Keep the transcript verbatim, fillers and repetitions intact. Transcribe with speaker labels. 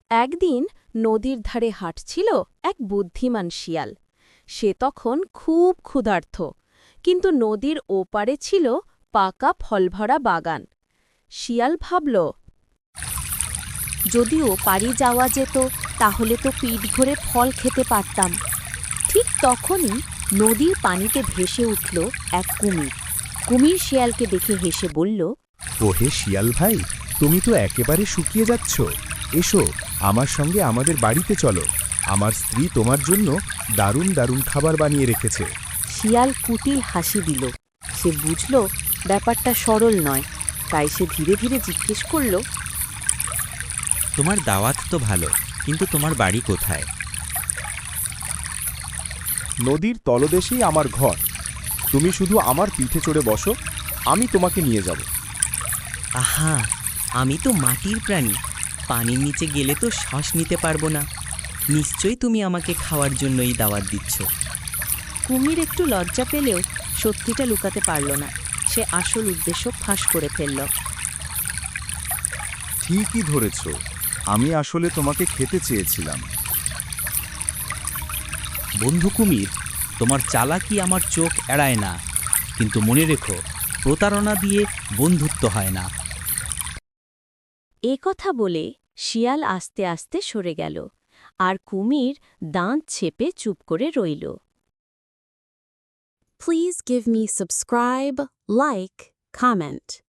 Speaker 1: একদিন নদীর ধারে হাঁটছিল এক বুদ্ধিমান শিয়াল। সে তখন খুব ক্ষুধার্ত, কিন্তু নদীর ওপারে ছিল পাকা ফলভরা বাগান। শিয়াল ভাবল, যদিও পারি যাওয়া যেত, তাহলে তো পিঠ ভরে ফল খেতে পারতাম। ঠিক তখনই নদীর পানিতে ভেসে উঠল এক কুমির। কুমির শিয়ালকে দেখে হেসে বলল,
Speaker 2: ওহে শিয়াল ভাই, তুমি তো একেবারে শুকিয়ে যাচ্ছ। এসো, আমার সঙ্গে আমাদের বাড়িতে চলো। আমার স্ত্রী তোমার জন্য দারুণ দারুণ খাবার বানিয়ে রেখেছে।
Speaker 1: শিয়াল কুটিল হাসি দিল। সে বুঝল ব্যাপারটা সরল নয়, তাই সে ধীরে ধীরে জিজ্ঞেস করল,
Speaker 3: তোমার দাওয়াত তো ভালো, কিন্তু তোমার বাড়ি কোথায়?
Speaker 2: নদীর তলদেশেই আমার ঘর। তুমি শুধু আমার পিঠে চড়ে বসো, আমি তোমাকে নিয়ে যাব।
Speaker 3: আহা, আমি তো মাটির প্রাণী, পানির নিচে গেলে তো শ্বাস নিতে পারবো না। নিশ্চয়ই তুমি আমাকে খাওয়ার জন্যই দাওয়াত দিচ্ছ।
Speaker 1: কুমির একটু লজ্জা পেলেও সত্যিটা লুকাতে পারল না। সে আসল উদ্দেশ্য ফাঁস করে ফেলল।
Speaker 2: ঠিকই ধরেছ, আমি আসলে তোমাকে খেতে চেয়েছিলাম।
Speaker 3: বন্ধু কুমির, তোমার চালাকি আমার চোখ এড়ায় না, কিন্তু মনে রেখো, প্রতারণা দিয়ে বন্ধুত্ব হয় না।
Speaker 1: এ কথা বলে শিয়াল আস্তে আস্তে সরে গেল, আর কুমির দাঁত চেপে চুপ করে রইল। Please give me subscribe, like, comment.